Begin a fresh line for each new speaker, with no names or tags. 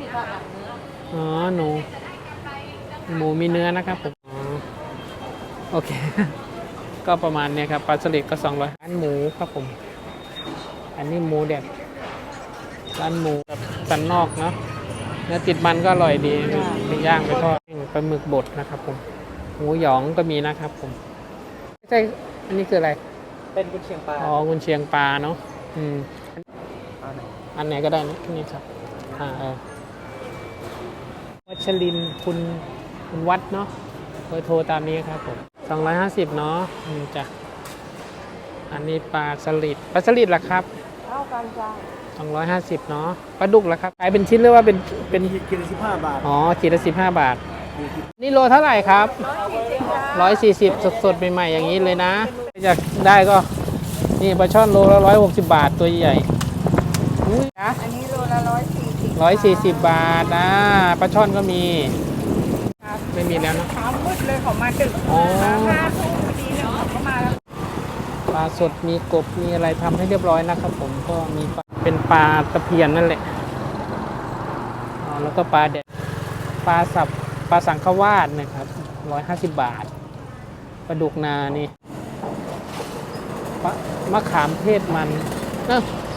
อ๋อหนูหมูมีเนื้อนะครับผมอ๋อโอเค ก็ประมาณเนี้ยครับปลาสลิดก็200ร้านหมูครับผมอันนี้หมูแดดร้านหมูแบบสันนอกเนาะเนื้อติดมันก็อร่อยดีไปย่างไปทอดปลาหมึกบดนะครับผมหมูหยองก็มีนะครับผมไม่ใช่อันนี้คืออะไร
เป็นกุนเชียงปลา
อ๋อกุนเชียงปลาเนาะ
ปลาไหน
อันไหนก็ได้นี่ครับวัชรินทร์คุณวัดเนาะเบอร์โทรตามนี้ครับผม250เนาะจ้ะอันนี้ปลาสลิดล่ะครับ
เท่ากันจ้า
250เนาะปลาดุกล่ะครับขายเป็นชิ้นหรือว่าเป็น
ขีดละ15 บาท
อ๋อขีดละ15 บาทนี่โลเท่าไหร่ครับ140สดๆใหม่ๆอย่างนี้เลยนะอยากได้ก็นี่ปลาช่อนโลละ160 บาทตัวใหญ่
อันนี้โลละ
140บาทนะปลาช่อนก็มีไม่มีแล้วนะ
เช้ามืดเลยเขามาดึก5 ทุ่มพอดีเนี่ยเขาก็มาแล้ว
ปลาสดมีกบมีอะไรทำให้เรียบร้อยนะครับผมก็มีเป็นปลาตะเพียนนั่นแหละอ๋อแล้วก็ปลาแดดปลาสังขวาดนะครับ150 บาทปลาดุกนานี่มะขามเทศมัน